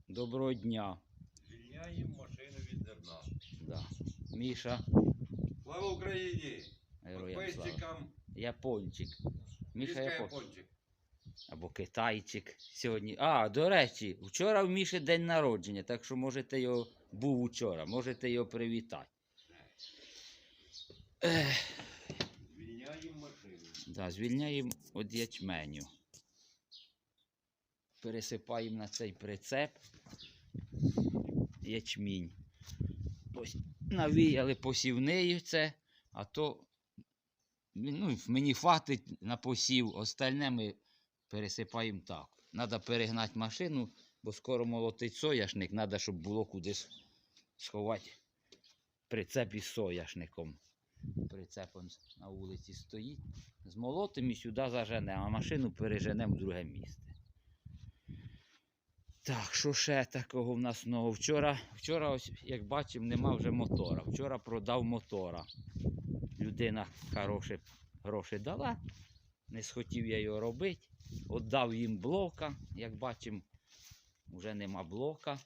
Доброго дня. Звільняємо машину від зерна. Да. Міша. Слава Україні! Героям слава. Підписчикам. Япончик. Міша Япончик. Або китайчик сьогодні. А, до речі, вчора в Міші день народження, так що можете його, був вчора, можете його привітати. Звільняємо машину. Да, звільняємо від ячменю. Пересипаємо на цей прицеп ячмінь. Ось навіяли посівнею це, а то мені хватить на посів, остальне ми пересипаємо так. Треба перегнати машину, бо скоро молотить соняшник, треба, щоб було куди сховати прицеп із соняшником. Прицеп на вулиці стоїть. Змолотимо і сюди заженемо, а машину переженемо в друге місце. Так, що ще такого в нас нового? Вчора, ось, як бачимо, нема вже мотора. Вчора продав мотора. Людина хороші гроші дала. Не схотів я його робити. Отдав їм блока. Як бачимо, вже нема блока.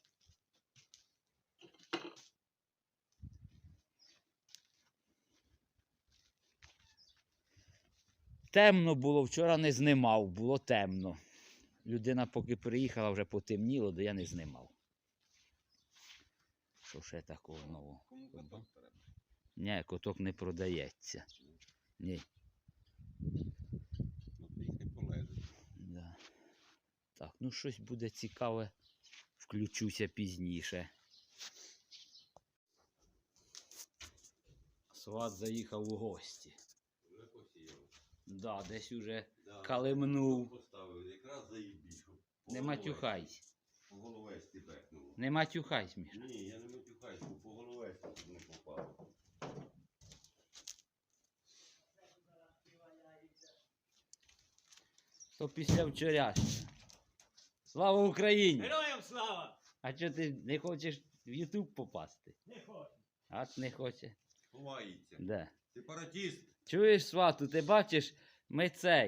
Темно було, вчора не знімав, було темно. Людина поки приїхала, вже потемніло, то я не знімав. Що ще такого нового? Кому коток треба? Ні, коток не продається. Ні. Їх не полежить. Да. Так, ну щось буде цікаве, включуся пізніше. Сват заїхав у гості. Вже посіяв. Да, десь уже Да. калимнув. Поставив, якраз заїбіш. Не матюхайся. По головесті бекнуло. Не матюхайся, Міша. Ні, я не матюхаюсь, бо по головесті тут не попав. То після вчорашнього. Слава Україні! Героям слава! А чого ти не хочеш в Ютуб попасти? Не хочу. А не хоче. Ховається. Да. Сепаратіст. Чуєш, свату, ти бачиш, ми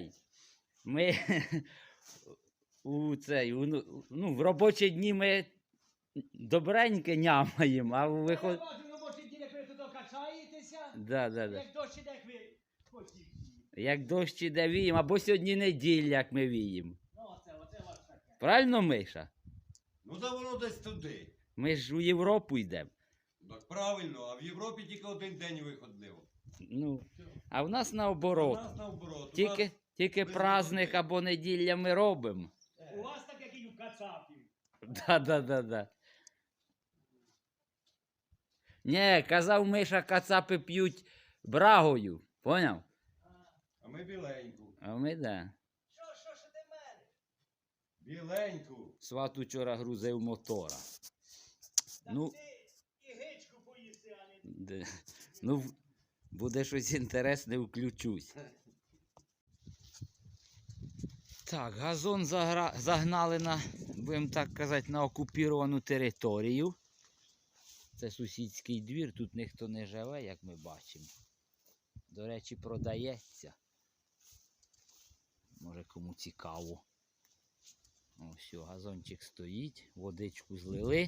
в робочі дні ми добреньке нямаємо, а Ви виход... бачу, ну може ті, як ви тут качаєтеся, Да. як дощ іде, як ви хотіть. Як дощ іде віємо, або сьогодні неділя, як ми віємо. Ну, оце ваш таке. Правильно, Миша? Ну да воно десь туди. Ми ж у Європу йдемо. Так правильно, а в Європі тільки один день виходив. Ну, а в нас У наоборот. нас наоборот. У Тільки без праздник виходних. або неділя ми робимо. У вас так, як і у кацапів. Да. Ні, казав Миша, кацапи п'ють брагою. Поняв? А ми біленьку. А ми да. Що ти мене? Біленьку. Сват учора грузив мотора. Так Ну, ти і гичку поїси, а не... ну, буде щось інтересне, включусь. Так, газон загнали на, будемо так казати, на окуповану територію. Це сусідський двір, тут ніхто не живе, як ми бачимо. До речі, продається. Може кому цікаво. Ось все, газончик стоїть, водичку злили.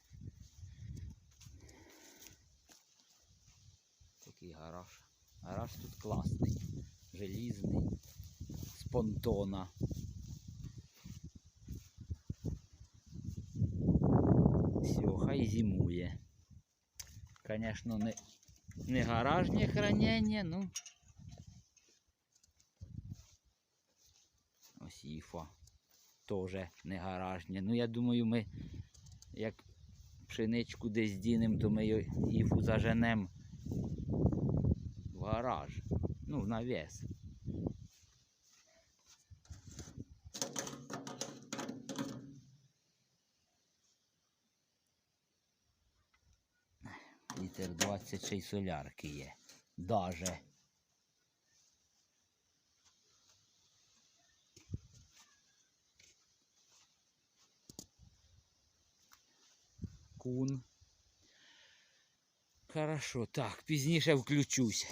Такий гараж. Гараж тут класний, желізний, з понтона. Все, хай зимує. Звісно, не гаражне хранення, ну. Ось іфа. Теж не гаражне. Ну, я думаю, ми як пшеничку десь дінемо, то ми іфу заженемо в гараж. Ну, в навіс. Літр 26 солярки є. Даже. Кун. Хорошо, так, пізніше включусь.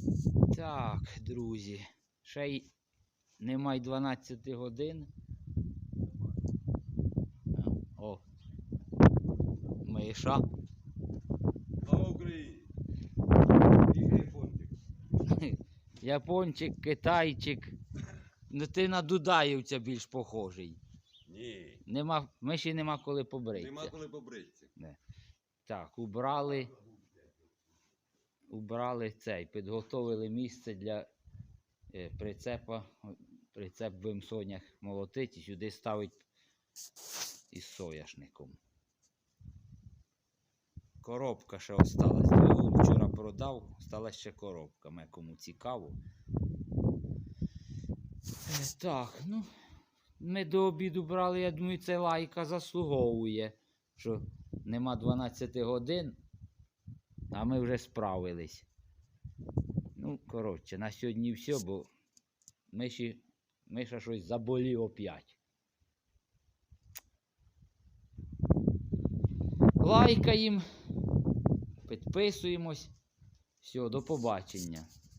Так, друзі, ще й немає 12 годин, Миша. Слава Україні! Тихо, япончик. Япончик, китайчик. Ну ти на дудаївця більш похожий. Ні, Миші нема коли побритися. нема коли побритися. Так, убрали цей, підготовили місце для прицепа. Прицеп будемо сонях молотити і сюди ставить із соняшником. Коробка ще осталась. Двигун вчора продав, осталась ще коробка. Ме кому цікаво. Так, ну, ми до обіду брали, я думаю, це лайка заслуговує, що нема 12 годин, а ми вже справились. Ну, коротше, на сьогодні все, бо Миша щось заболів опять. Лайкаємо, підписуємось. Все, до побачення.